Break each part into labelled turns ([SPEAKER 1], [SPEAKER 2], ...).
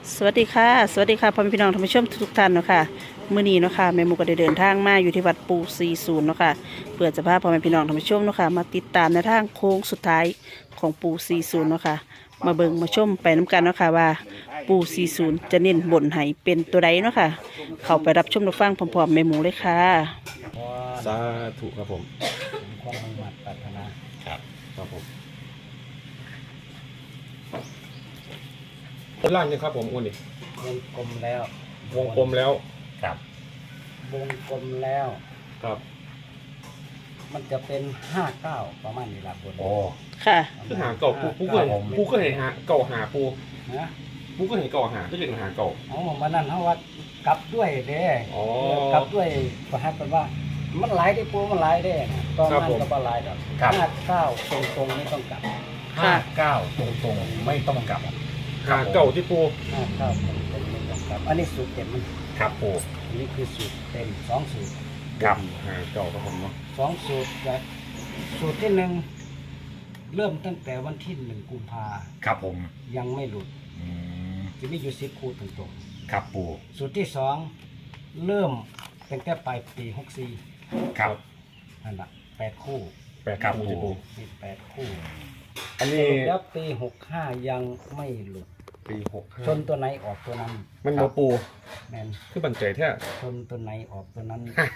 [SPEAKER 1] สวัสดีค่ะสวัสดีค่ะพ่อแม่พี่น้องท่านผู้ชมทุกท่านเนาะค่ะมื้อนี้เนาะค่ะแม่หมูก็ได้เดินทางมาอยู่ที่วัดปู40เนาะค่ะเพื่อจะพาพ่อแม่พี่น้องท่านผู้ชมเนาะค่ะมาติดตามในทางโค้งสุดท้ายของปู40เนาะค่ะมาเบิ่งมาชมไปน้กันเนาะค่ะว่าปู40จะเน้นบนให้เป็นตัวใดเนาะค่ะเข้าไปรับชมรับฟังพร้อมๆแม่หมูเลยค่ะ
[SPEAKER 2] สาธุครับผม
[SPEAKER 3] ความมุ่งมั่นปรารถนา
[SPEAKER 2] ครับครับผมเป็นล่างยังครับผมอ้วนนี่
[SPEAKER 3] วงกลมแล้ว
[SPEAKER 2] วงกลมแล้ว
[SPEAKER 4] ครับ
[SPEAKER 3] วงกลมแล้ว
[SPEAKER 2] ครับ
[SPEAKER 3] มันจะเป็น59ประมาณนี้ละบน
[SPEAKER 4] โอ้
[SPEAKER 1] ค่ะ
[SPEAKER 2] คือหาเก่าปูก็เห็นปูก็เห็นหาเก่าหาปู
[SPEAKER 3] นะ
[SPEAKER 2] ปูก็เห็นเก่าหาก็เป็นหาเก่า
[SPEAKER 3] เอามานั่นเขาว่ากลับด้วยเด้
[SPEAKER 2] อ๋อก
[SPEAKER 3] ลับด้วยประหัตเป็นว่ามันหลายได้ปูมันหลายได้นะตอนนั้นก็บ่หลายดอก59ตรงๆไม่ต้องกลับ
[SPEAKER 4] 59ตรงๆไม่ต้องกลับ
[SPEAKER 2] หาเก่าที่ปู
[SPEAKER 3] 59ตรงๆไม่ต้องกลับอันนี้สูตรเต็มมัน
[SPEAKER 4] ครับปู
[SPEAKER 3] อันนี้คือสูตรเต็ม2สูตร
[SPEAKER 4] ครับ
[SPEAKER 2] หาเก่าครับผมเนาะ
[SPEAKER 3] 2สูตรนะสูตรที่1เริ่มตั้งแต่วันที่1กุมภา
[SPEAKER 4] ครับผม
[SPEAKER 3] ยังไม่หลุด
[SPEAKER 4] อืม
[SPEAKER 3] จะมีอยู่10คู่ตรง
[SPEAKER 4] ครับปู
[SPEAKER 3] ๆสูตรที่2เริ่มตั้งแต่ปลายปี64
[SPEAKER 4] ครับ
[SPEAKER 3] นั่นแหละ8คู่
[SPEAKER 2] แปด
[SPEAKER 4] ครับ
[SPEAKER 2] ปูที่ปู
[SPEAKER 3] มี8คู่
[SPEAKER 2] อันนี้
[SPEAKER 3] แล้วปี65ยังไม่หลุด
[SPEAKER 2] ปี65
[SPEAKER 3] ชนตัวไหนออกตัวนั้น
[SPEAKER 2] มันมาปู
[SPEAKER 3] แมน
[SPEAKER 2] คือบันใจแท้
[SPEAKER 3] ชนตัวไหนออกตัวนั้น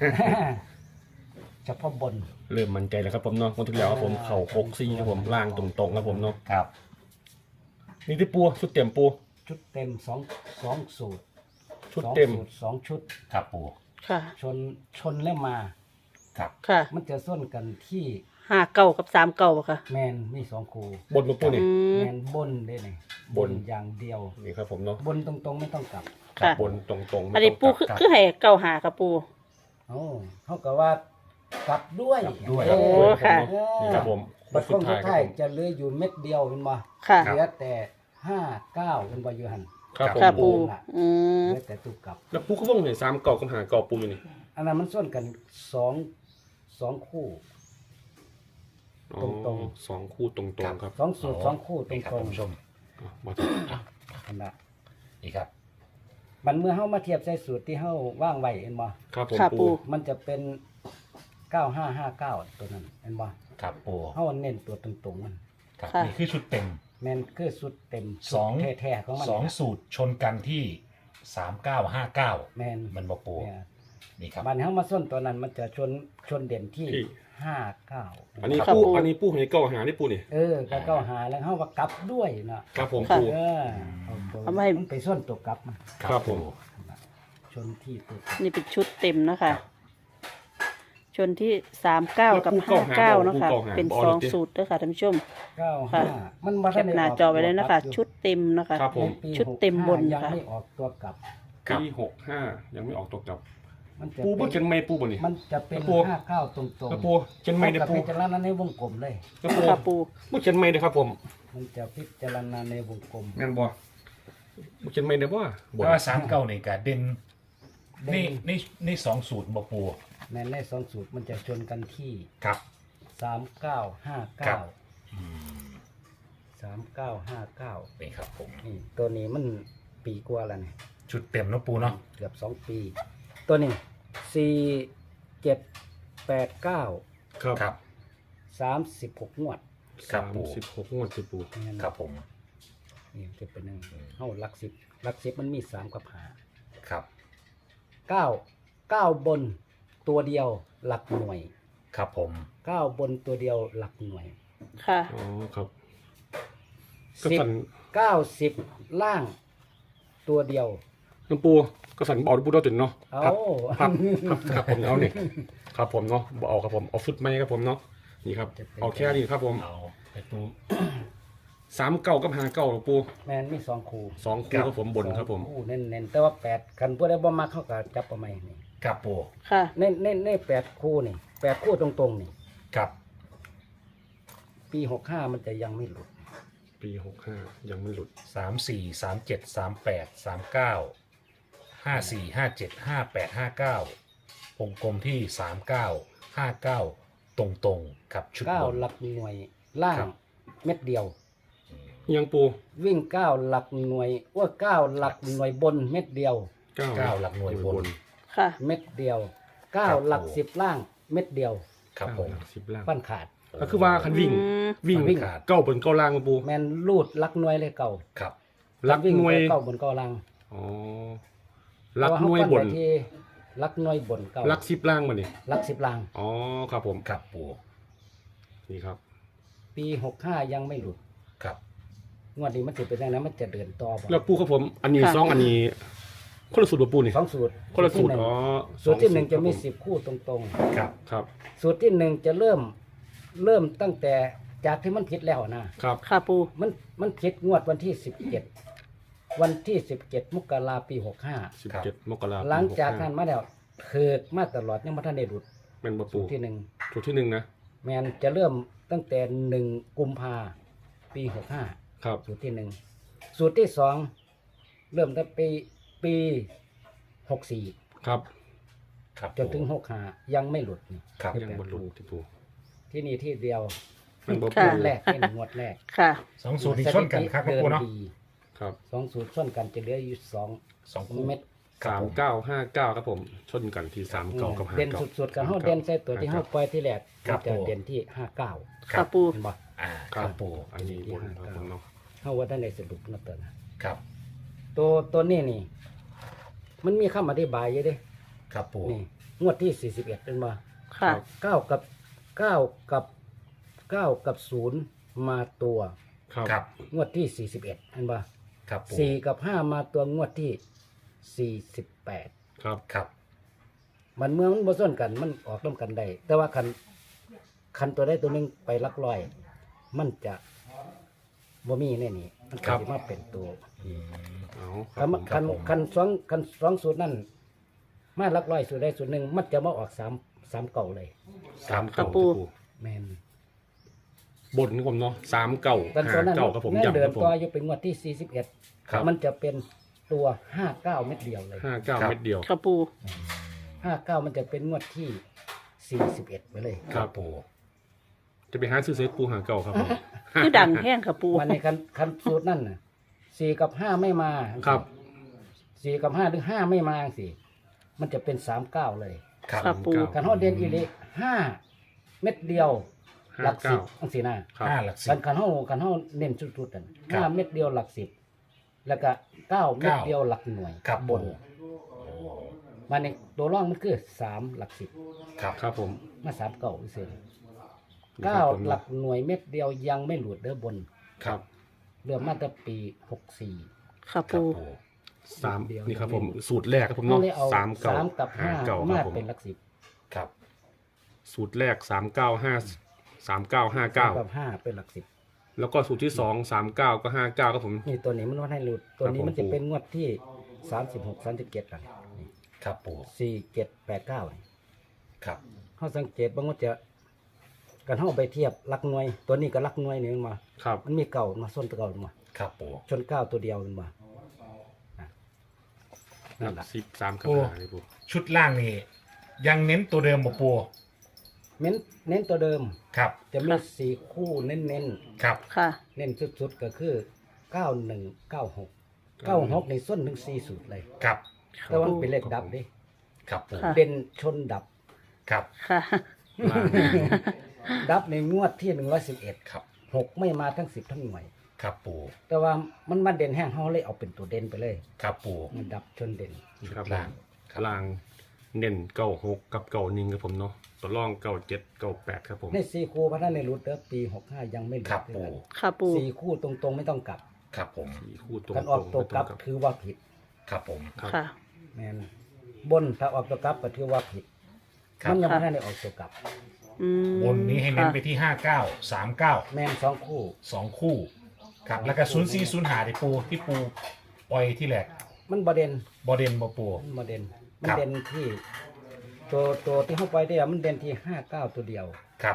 [SPEAKER 3] เฉพาะบน
[SPEAKER 2] เริ่มมั่นใจแล้วครับผมเนาะวันที่แล้วครับผมเข่าโคกซี่ครับผมล่างตรงๆครับผมเนาะ
[SPEAKER 4] ครับ
[SPEAKER 2] นี่ที่ปูชุดเต็มปู
[SPEAKER 3] ชุดเต็ม2สูตร
[SPEAKER 2] ชุดเต็ม
[SPEAKER 3] สองชุด
[SPEAKER 4] ครับปู
[SPEAKER 1] ค่ะ
[SPEAKER 3] ชนแล้วมา
[SPEAKER 4] ครับ
[SPEAKER 1] ค่ะ
[SPEAKER 3] มันจะส้นกันที่
[SPEAKER 1] 5 กับ3บ่ค่ะ
[SPEAKER 3] แมนมี2คู่
[SPEAKER 2] บนมาปูนี่
[SPEAKER 1] อืม
[SPEAKER 3] แมนบนได้ไหน
[SPEAKER 2] บน
[SPEAKER 3] อย่างเดียว
[SPEAKER 2] นี่ครับผมเนาะ
[SPEAKER 3] บนตรงๆไม่ต้องกลับ
[SPEAKER 1] ค่ะ
[SPEAKER 2] บนตรงๆ
[SPEAKER 1] อันนี้ปู
[SPEAKER 2] ไม่ต้งกลับ
[SPEAKER 1] คือให้เก่าหาค่ะปู
[SPEAKER 3] โอ้เขาก็ว่ากลับด้วย
[SPEAKER 1] โอ้ค่ะ
[SPEAKER 2] นี่ครับผม
[SPEAKER 3] บัด
[SPEAKER 2] สุ
[SPEAKER 3] ค
[SPEAKER 2] ด
[SPEAKER 3] ง
[SPEAKER 2] ท้า
[SPEAKER 3] สุ
[SPEAKER 2] ย
[SPEAKER 3] ด
[SPEAKER 2] ครั
[SPEAKER 3] ท้า
[SPEAKER 2] บ
[SPEAKER 3] ย
[SPEAKER 2] ผม
[SPEAKER 3] จะเหลืออยู่เม็ดเดียวเป็นบ่
[SPEAKER 1] ค่ะ
[SPEAKER 3] เหลือแต่59เป็นบ่อยู่หัน
[SPEAKER 2] ครับผม
[SPEAKER 1] ค่ะ
[SPEAKER 2] ปู
[SPEAKER 1] ปูอืม
[SPEAKER 3] เหลือแต่ตุกกลับ
[SPEAKER 2] แล้วปูก็ว่องเห็น3 เก่ากับหาเก่าปูอยู่นี่
[SPEAKER 3] อันนั้นมันส่วนกันสองคู่
[SPEAKER 2] อ๋อ
[SPEAKER 3] ตรง
[SPEAKER 2] สองคู่ตรงๆครับ
[SPEAKER 3] สองสูตรสองคู่ตร
[SPEAKER 4] นี่
[SPEAKER 3] ง
[SPEAKER 4] ครับ
[SPEAKER 3] ตรง
[SPEAKER 4] ท่านผู้ชม
[SPEAKER 2] อ่ะมาถึง
[SPEAKER 3] อันนั้น
[SPEAKER 4] นี่ครับ
[SPEAKER 3] มันเมื่อเฮามาเทียบใส่สูตรที่เฮาว่างไว้เห็นบ่
[SPEAKER 2] ครับผม
[SPEAKER 1] ค่ะ
[SPEAKER 2] ปู
[SPEAKER 1] ปู
[SPEAKER 3] มันจะเป็น9559ตัวนั้นเห็นบ่
[SPEAKER 4] ครับปู
[SPEAKER 3] เฮาเน้นตัวตรงๆมัน
[SPEAKER 4] ครับ
[SPEAKER 1] ค่ะ
[SPEAKER 4] นี่คือชุดเต็ม
[SPEAKER 3] แม่นคือสูตรเต็ม
[SPEAKER 4] สอง
[SPEAKER 3] แท้ๆของมัน
[SPEAKER 4] สองสูตรชนกันที่3959
[SPEAKER 3] แม่น
[SPEAKER 4] มันบอกปู
[SPEAKER 3] เนี่ย
[SPEAKER 4] นี่ครับ
[SPEAKER 3] มันเฮามาส้นตัวนั้นมันจะชนเด่นที่
[SPEAKER 2] ที่
[SPEAKER 3] 59
[SPEAKER 2] อันนี้
[SPEAKER 1] ครับ
[SPEAKER 2] ปู
[SPEAKER 1] ปู
[SPEAKER 2] อันนี้ปูเห็นเก่าหานี่ปูนี่
[SPEAKER 3] ก็เข้าหาแล้วเฮาว่ากลับด้วยนะครับ
[SPEAKER 2] ผม
[SPEAKER 1] ค่ะ
[SPEAKER 2] ปู
[SPEAKER 3] เอามาให้มันไปส้นตัวกลับมา
[SPEAKER 2] ครับผม
[SPEAKER 3] ชนที่ตัวกลับ
[SPEAKER 1] นี่เป็นชุดเต็มนะคะชนที่39กับ59เนาะค่ะเป็น2สูตรเด้อค่ะท่านผู้ชม ค่ะ
[SPEAKER 3] 95มันมา
[SPEAKER 1] แคปหน้าจอไว้เลยนะคะ ชุดเต็มนะคะ
[SPEAKER 2] ครับผม
[SPEAKER 3] ปี
[SPEAKER 1] ชุดเต็มบน
[SPEAKER 3] 65ยัง
[SPEAKER 1] ค่ะ
[SPEAKER 3] ไม่ออกตัวกลับ
[SPEAKER 2] ปี65ยังไม่ออกตกจับ
[SPEAKER 3] มันจะ
[SPEAKER 2] ปูบ่
[SPEAKER 3] เป็น
[SPEAKER 2] เขียนไม่ปูบ่นี่
[SPEAKER 3] มันจะเป็น
[SPEAKER 2] ครับปู
[SPEAKER 3] 59ตรงๆ
[SPEAKER 2] ครับปูเขียนไม่ได้
[SPEAKER 3] กับ
[SPEAKER 2] ปู
[SPEAKER 3] พิจารณาในวงกลมเลย
[SPEAKER 2] ครับปู
[SPEAKER 1] ค่ะปู
[SPEAKER 2] บ่เขียนไม่ได้ครับผม
[SPEAKER 3] มันจะพิจารณาในวงกลม
[SPEAKER 2] แม่นบ่บ่เขียนไม่ได้บ่บ่
[SPEAKER 4] แต่ว่า39นี่ก็เด่น
[SPEAKER 3] เด่น
[SPEAKER 4] ในสองสูตรบอกปู
[SPEAKER 3] ในสองสูตรมันจะชนกันที่
[SPEAKER 4] ครับ ครับ
[SPEAKER 3] 3959
[SPEAKER 4] นี่ครับผม
[SPEAKER 3] นี่ตัวนี้มันปีกว่าแล้วนี่
[SPEAKER 4] ชุดเต็มเนาะปูเนาะ
[SPEAKER 3] เกือบ2 ปี ตัวนี้4789
[SPEAKER 2] ครับ
[SPEAKER 4] ครับ
[SPEAKER 3] 36งวด
[SPEAKER 4] ครับปู
[SPEAKER 2] 36งวดสิปู
[SPEAKER 3] นี่น
[SPEAKER 4] ครับผม
[SPEAKER 3] นี่จะเป็นหนึ่งเฮาหลัก10มันมี3กับ
[SPEAKER 4] ครับ
[SPEAKER 3] 5 9บนตัวเดียวหลักหน่วย
[SPEAKER 4] ครับผม
[SPEAKER 3] 9บนตัวเดียวหลักหน่วย
[SPEAKER 1] ค่ะ
[SPEAKER 2] อ๋อครับก็
[SPEAKER 3] 10
[SPEAKER 2] สั่น
[SPEAKER 3] 90ล่างตัวเดียว
[SPEAKER 2] น้ำปูก็สั่นบ่เอาปูดาวจนเนาะ
[SPEAKER 3] เอา
[SPEAKER 2] ครับครับผมเอานี่ครับผมเนาะบ่เอาครับผมเอาฟุตไม่ครับผมเนาะนี่ครับเอาแค่นี้ครับผม
[SPEAKER 4] เอาไปปู
[SPEAKER 2] 3 เก่ากับ5 เก่าปู
[SPEAKER 3] แมนมี2คู่
[SPEAKER 2] 2คู่ครับผมบนครับผม
[SPEAKER 3] คู่เน้นๆแต่ว่า8คันผู้ใดบ่มักเขาก็จับเอาใหม่นี่
[SPEAKER 4] ครับปู
[SPEAKER 1] ค่ะ
[SPEAKER 3] ใน8คู่นี่8คู่ตรงๆนี่
[SPEAKER 4] ครับ
[SPEAKER 3] ปี65มันจะยังไม่หลุด
[SPEAKER 2] ปี65ยังไม่หลุด
[SPEAKER 4] 34 37 38 39 54 57 58 59วงกลมที่ 39 59 ตรงๆกับชุดบน
[SPEAKER 3] 9หลักหน่วยล่าง
[SPEAKER 4] ครับ
[SPEAKER 3] เม็ดเดียว
[SPEAKER 2] ยังปู
[SPEAKER 3] วิ่งเก้าหลักหน่วยว่าเก้าหลักหน่วยบนเม็ดเดียว
[SPEAKER 4] เก้าหลักหน่วยบน
[SPEAKER 1] ค่ะ
[SPEAKER 3] เม็ดเดียวเก้า
[SPEAKER 4] ครับ
[SPEAKER 3] หลักสิบล่างเม็ดเดียว
[SPEAKER 4] ครับผม
[SPEAKER 2] 10ล่าง
[SPEAKER 3] ปั้นขาด
[SPEAKER 2] ก็คือว่าคันวิ่ง
[SPEAKER 1] อืม
[SPEAKER 2] วิ่ง
[SPEAKER 3] วิ่ง
[SPEAKER 2] เก้าบนเก้าล่างมาปู
[SPEAKER 3] แมนรูดหลักหน่วยเลยเก่า
[SPEAKER 4] ครับ
[SPEAKER 2] ลัก
[SPEAKER 3] วิ่ง
[SPEAKER 2] หน่วย
[SPEAKER 3] เก้าบนเก้าล่าง
[SPEAKER 2] อ๋อลักหน่วยบน
[SPEAKER 3] เพราะว่าเขาปั้ไปที่หลักหน่วยบนเก้า
[SPEAKER 2] ลัก10ล่างมานี่
[SPEAKER 3] หลักสิบล่าง
[SPEAKER 2] อ๋อครับผม
[SPEAKER 4] ครับปู
[SPEAKER 2] นี่ครับ
[SPEAKER 3] ปี65ยังไม่หลุด
[SPEAKER 4] ครับ
[SPEAKER 3] งวดนี้มันจะเป็นยังไงมันจะเดินต่อบ่
[SPEAKER 2] แล้วปูครับผม อันนี้
[SPEAKER 1] ค่ะ
[SPEAKER 2] ซองอันนี้คนละสูตรบ่ปูนี่
[SPEAKER 3] สองสูตร
[SPEAKER 2] คนละสูตร
[SPEAKER 3] ที่หนึ่ง
[SPEAKER 2] อ๋อ
[SPEAKER 3] สูตรที่หนึ่ง
[SPEAKER 2] สอ
[SPEAKER 3] จะมี
[SPEAKER 2] ครับผ
[SPEAKER 3] 10 คู่ตรง
[SPEAKER 4] ครับ
[SPEAKER 2] ครับ
[SPEAKER 3] ๆ สูตรที่หนึ่งจะเริ่มตั้งแต่จากที่มันผิดแล้วนะครับ
[SPEAKER 1] ค่ะปู
[SPEAKER 3] มันผิดงวดวันที่17วันที่17มกราปี65
[SPEAKER 2] 17มกราคม
[SPEAKER 3] หลังจากนั้นมาแล้วเถิดมาตลอดยังบ่ทันได้หลุด
[SPEAKER 2] เป็นบ่
[SPEAKER 3] สู
[SPEAKER 2] ปู
[SPEAKER 3] ตรที่หนึ่ง
[SPEAKER 2] สูตรที่หนึ่งนะ
[SPEAKER 3] แมนจะเริ่มตั้งแต่1กุมภาปี65
[SPEAKER 2] ครับ
[SPEAKER 3] สูตรที่หนึ่งสูตรที่สองเริ่มตั้งปี64
[SPEAKER 2] ครับ
[SPEAKER 4] ครับ
[SPEAKER 3] จนถึง65ยังไม่หลุดนี่
[SPEAKER 4] ครับ
[SPEAKER 3] คือ
[SPEAKER 2] ยัง
[SPEAKER 3] แปด
[SPEAKER 2] บนลุ
[SPEAKER 3] คู่
[SPEAKER 2] ที่ปู
[SPEAKER 3] ที่นี่ที่เดียว
[SPEAKER 2] มันบ่
[SPEAKER 1] ค่ะ
[SPEAKER 2] ปู
[SPEAKER 3] งวดแรกนี่งวดแรก
[SPEAKER 1] ค่ะ
[SPEAKER 4] สองสูตรนี้ชนกันครับ
[SPEAKER 3] เดิ
[SPEAKER 4] ปูเนาะ
[SPEAKER 3] ดี
[SPEAKER 2] ครับ
[SPEAKER 3] สองสูตรส่วนกันจะเหลืออยู่สอง
[SPEAKER 4] สองคู่
[SPEAKER 3] เม็ด
[SPEAKER 2] 3959ครับผม ชนกันที่39กับ
[SPEAKER 3] เด่น
[SPEAKER 2] 59
[SPEAKER 3] สุดๆกันเฮาเด่นใส่ตัวที่เฮาปล่อยที่แรก
[SPEAKER 4] ครับ
[SPEAKER 3] จะ
[SPEAKER 4] ผม
[SPEAKER 3] เด่นที่59
[SPEAKER 1] ค่ะปู
[SPEAKER 3] เห็นบ่
[SPEAKER 4] อ่า
[SPEAKER 2] ค
[SPEAKER 4] ค
[SPEAKER 2] รั
[SPEAKER 4] รั
[SPEAKER 2] บบ
[SPEAKER 4] ปู
[SPEAKER 2] อันนี้บนครับผมเนาะ
[SPEAKER 3] เฮาว่าท่านได้สรุปนะตัวนะ
[SPEAKER 4] ครับ
[SPEAKER 3] ตัวนี้นี่ มันมีคำอธิบายอยู่เด้
[SPEAKER 4] ครับปู
[SPEAKER 3] นี่งวดที่41เป็นบ่
[SPEAKER 1] ค่ะ
[SPEAKER 3] 9กับ9กับ0มาตัว
[SPEAKER 2] ครับ
[SPEAKER 4] ครับ
[SPEAKER 3] งวดที่41เห็นบ่
[SPEAKER 4] ครับปู
[SPEAKER 3] 4กับ5มาตัวงวดที่48
[SPEAKER 2] ครับ
[SPEAKER 4] ครับ
[SPEAKER 3] มันเมื่อมันบ่ซ้นกันมันออกร่วมกันได้แต่ว่าคันตัวใดตัวหนึงไปหลักร้อย มันจะบ่มีแน่นี่มันก็สิมาเป็นตัว
[SPEAKER 4] อืม
[SPEAKER 2] เอาค
[SPEAKER 3] คั
[SPEAKER 2] รับ
[SPEAKER 3] น
[SPEAKER 2] ผม
[SPEAKER 3] คัน
[SPEAKER 4] ผม
[SPEAKER 3] คันสองสูตรนั่นมาหลักร้อยสูตรใดสูตรหนึ่งมันจะมาออก3เก่าเลย
[SPEAKER 2] 39
[SPEAKER 1] ครับปู
[SPEAKER 2] ที่ปู
[SPEAKER 3] แม่น
[SPEAKER 2] บนครับผมเนาะ39
[SPEAKER 3] แต่ตัวนั้น
[SPEAKER 2] 59ครับผม
[SPEAKER 3] แม่น
[SPEAKER 2] ย้ำ
[SPEAKER 3] เดิ
[SPEAKER 2] คน รับผม
[SPEAKER 3] ต่ออยู่เป็นงวดที่
[SPEAKER 4] ครับ
[SPEAKER 3] 41มันจะเป็นตัว59เม็ดเดียวเลย
[SPEAKER 2] 59เม็ดเดียว
[SPEAKER 1] ค่ะปู
[SPEAKER 3] 59มันจะเป็นงวดที่41ไปเลย
[SPEAKER 4] ครับปู
[SPEAKER 2] จะไปหาซื้อเซตปูหาเก่าครับผม
[SPEAKER 1] คือดังแห้งค่ะปู
[SPEAKER 3] วันในคันสูตรนั่นน่ะ4กับ5ไม่มา
[SPEAKER 2] ครับ
[SPEAKER 3] 4กับ5หรือ5ไม่มาสิมันจะเป็น39เลย
[SPEAKER 4] ครับ
[SPEAKER 1] ค่ะปู
[SPEAKER 3] คันเฮาเด่นอีหลี5เม็ดเดียวหลัก10จังซี่นะ
[SPEAKER 2] ครับ
[SPEAKER 4] ห้าหลักสิ
[SPEAKER 3] คั
[SPEAKER 4] บ
[SPEAKER 3] นคันเฮาเน้นสุดๆนั่น
[SPEAKER 4] ครับ
[SPEAKER 3] 5เม็ดเดียวหลัก10แล้วก็9เม็ดเดียวหลักหน่วย
[SPEAKER 4] ครับ
[SPEAKER 3] บน
[SPEAKER 4] ปู
[SPEAKER 3] มาในตัวร่องมันคือ3หลัก10
[SPEAKER 4] ครับ
[SPEAKER 2] ครับผม
[SPEAKER 3] มา3เก่าซื่อ
[SPEAKER 2] นี่ครับผม
[SPEAKER 3] 9หลักหน่วยเม็ดเดียวยังไม่หลุดเด้อบน
[SPEAKER 2] ครับ
[SPEAKER 3] เริ่มมาตั้งปี64
[SPEAKER 1] ค่ะ
[SPEAKER 4] ครับ
[SPEAKER 1] ปู
[SPEAKER 4] ปู
[SPEAKER 2] สามนี่ครับผมสูตรแรกครับผม
[SPEAKER 3] เฮา
[SPEAKER 2] เนาะ
[SPEAKER 3] เลยเอา
[SPEAKER 2] 3
[SPEAKER 3] กับ
[SPEAKER 2] 5
[SPEAKER 3] 5
[SPEAKER 2] ค
[SPEAKER 3] มา
[SPEAKER 2] รับผม
[SPEAKER 3] เป็นหลัก
[SPEAKER 4] ครับ
[SPEAKER 2] สูตรแรก39
[SPEAKER 3] 10กับ
[SPEAKER 2] 5
[SPEAKER 3] 5เป็นหลัก10
[SPEAKER 2] แล้วก็สูตรที่2 39ก็59ครับผม
[SPEAKER 3] นี่ตัวนี้มันว่าให้หลุดตัวนี้
[SPEAKER 2] ครับผม
[SPEAKER 3] มันจะเป็นงวดที่36 37อ่ะนี่
[SPEAKER 4] ครับปู
[SPEAKER 3] 4 7 8 9นี่
[SPEAKER 4] ครับ
[SPEAKER 3] เขาสังเกตบางว่าจะกันเขาไปเทียบหลักหน่วย ตัวนี้กับหลักหน่วยนี่มันมา
[SPEAKER 2] ครับ
[SPEAKER 3] มันมีเก่ามาส้นตัวเก่ามา
[SPEAKER 4] ครับปู
[SPEAKER 3] ชนเก้าตัวเดียวมันมาอ่ะ
[SPEAKER 2] หลั
[SPEAKER 3] นั่น
[SPEAKER 2] ก
[SPEAKER 3] แหละ
[SPEAKER 2] 13กับ5นี่ปู
[SPEAKER 4] ชุดล่างนี่ยังเน้นตัวเดิมบ่ปู
[SPEAKER 3] เน้นตัวเดิม
[SPEAKER 4] ครับ
[SPEAKER 3] จะมีสี่คู่เน้น
[SPEAKER 4] ครับ
[SPEAKER 1] ค่ะ
[SPEAKER 3] เน้นสุดๆก็คือ91 96 96ในส้นถึง4สูตรเลย
[SPEAKER 4] ครับ
[SPEAKER 3] แต่ว่ามันเป็นเลขดับดิ
[SPEAKER 4] ครับปู
[SPEAKER 1] ค่ะ
[SPEAKER 3] เด่นชนดับ
[SPEAKER 4] ครับ
[SPEAKER 1] ค่ะ
[SPEAKER 2] ล่าง
[SPEAKER 3] ดับในงวดที่111
[SPEAKER 4] ครับ
[SPEAKER 3] 6ไม่มาทั้ง10ทั้งหน่วย
[SPEAKER 4] ครับปู
[SPEAKER 3] แต่ว่ามันมาเด่นแห้งเขาเลยเอาเป็นตัวเด่นไปเลย
[SPEAKER 4] ครับปู
[SPEAKER 3] มันดับชนเด่น
[SPEAKER 2] ครับผม
[SPEAKER 4] ล่างครับ
[SPEAKER 2] ล่างเน้น96กับ91ครับผมเนาะตัวร่อง97 98ครับผม
[SPEAKER 3] ใน4คู่พัฒนาในรุดเด้อปี65ยังไม่หลุด
[SPEAKER 4] ครับ
[SPEAKER 3] ด้วย
[SPEAKER 4] ปู
[SPEAKER 3] กัน
[SPEAKER 1] ค่ะปู
[SPEAKER 3] สี่คู่ตรงๆไม่ต้องกลับ
[SPEAKER 4] ครับผม
[SPEAKER 2] สี่คู่ตรง
[SPEAKER 3] การออกตัวกลับ
[SPEAKER 2] ไม่ต้ง
[SPEAKER 3] ถือว่าผิด
[SPEAKER 4] ครับผม
[SPEAKER 2] ครับ
[SPEAKER 1] ค่ะ
[SPEAKER 3] แมนบนถ้าออกตัวกลับก็ถือว่าผิด
[SPEAKER 4] ครับ
[SPEAKER 3] มันยัง
[SPEAKER 1] ค่ะ
[SPEAKER 3] ไม่ได้ออกตัวกลับ
[SPEAKER 1] อืม
[SPEAKER 4] บนนี้ให้เน้น
[SPEAKER 1] ค่ะ
[SPEAKER 4] ไปที่59 39
[SPEAKER 3] แมนสองคู่
[SPEAKER 4] 2 คู่ครับแล้วก็04 05ที่ปูปล่อยที่แรก
[SPEAKER 3] มันประเด็น
[SPEAKER 4] บ่เด่นบ่ปู
[SPEAKER 3] มันประเด็นมัน
[SPEAKER 4] ครับ
[SPEAKER 3] เด่นที่ตัวที่เข้าไปได้มันเด่นที่59ตัวเดียว
[SPEAKER 4] ครับ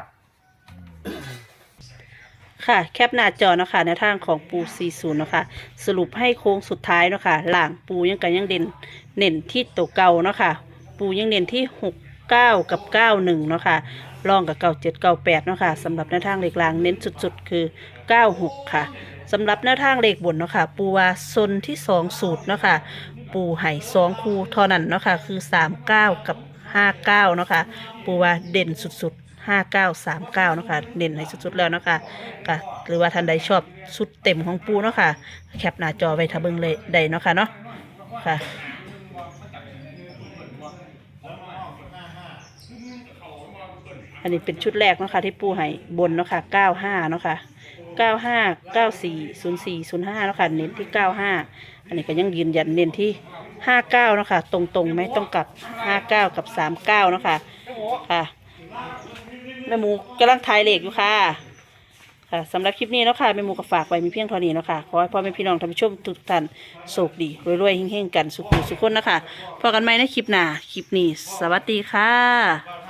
[SPEAKER 1] ค่ะ แคปหน้าจอเนาะคะในทางของปู40เนาะคะสรุปให้โค้งสุดท้ายเนาะคะหลังปูยังกันยังเน้นที่ตัวเก่าเนาะค่ะปูยังเน้นที่69กับ91เนาะค่ะรองกับ97 98เนาะค่ะสำหรับในทางเลขกลางเน้นสุดๆคือ96ค่ะสำหรับแนวทางเลขบนเนาะค่ะปูว่าซนที่2สูตรเนาะค่ะปูไห่2คู่เท่านั้นเนาะค่ะคือ39กับ59เนาะค่ะปูว่าเด่นสุดๆ5939เนาะค่ะเด่นให้สุดๆแล้วเนาะค่ะค่ะหรือว่าท่านใดชอบชุดเต็มของปูเนาะค่ะแคปหน้าจอไว้ถ้าเบิ่งเลยได้เนาะค่ะเนาะค่ะอันนี้เป็นชุดแรกเนาะค่ะที่ปูไห่บนเนาะค่ะ95เนาะค่ะ95 94 04 05เนาะค่ะเน้นที่95อันนี้ก็ยังยืนยันเน้นที่59เนาะค่ะตรงๆไม่ต้องกลับ59กับ39เนาะค่ะค่ะแม่หมูกำลังทายเลขอยู่ค่ะค่ะสำหรับคลิปนี้เนาะค่ะแม่หมูก็ฝากไว้มีเพียงเท่านี้เนาะค่ะขอให้พ่อแม่พี่น้องท่านผู้ชมทุกท่านโชคดีรวยๆเฮงๆกันสุขสุขคนนะคะพบกันใหม่ในคลิปหน้าคลิปนี้สวัสดีค่ะ